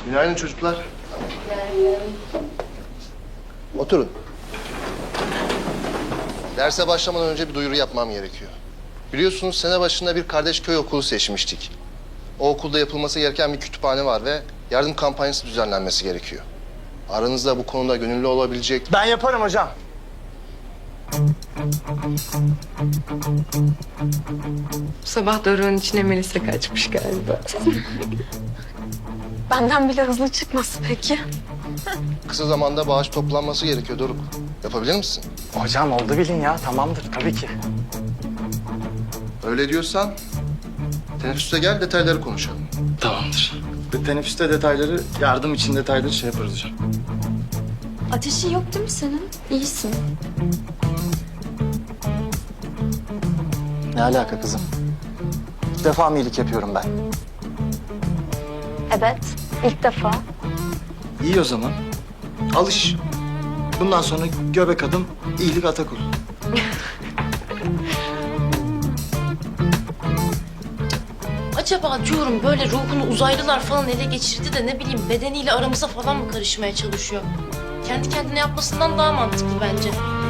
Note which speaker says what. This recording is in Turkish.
Speaker 1: Günaydın çocuklar. Oturun. Derse başlamadan önce bir duyuru yapmam gerekiyor. Biliyorsunuz sene başında bir kardeş köy okulu seçmiştik. O okulda yapılması gereken bir kütüphane var ve yardım kampanyası düzenlenmesi gerekiyor. Aranızda bu konuda gönüllü olabilecek...
Speaker 2: Ben yaparım hocam.
Speaker 3: Bu sabah Doruk'un içine Melisa kaçmış galiba.
Speaker 4: Benden bile hızlı çıkması peki.
Speaker 1: Kısa zamanda bağış toplanması gerekiyor Doruk. Yapabilir misin?
Speaker 2: Hocam oldu bilin ya, tamamdır tabii ki.
Speaker 1: Öyle diyorsan teneffüste gel detayları konuşalım.
Speaker 2: Tamamdır. Teneffüste detayları, yardım için detayları şey yaparız hocam.
Speaker 4: Ateşin yok değil mi senin? İyisin.
Speaker 2: Ne alaka kızım? İlk defa mı iyilik yapıyorum ben?
Speaker 4: Evet, ilk defa.
Speaker 2: İyi o zaman. Alış. Bundan sonra göbek adım, iyilik Atakul.
Speaker 5: Acaba diyorum böyle ruhunu uzaylılar falan ele geçirdi de ne bileyim bedeniyle aramıza falan mı karışmaya çalışıyor? Kendi kendine yapmasından daha mantıklı bence.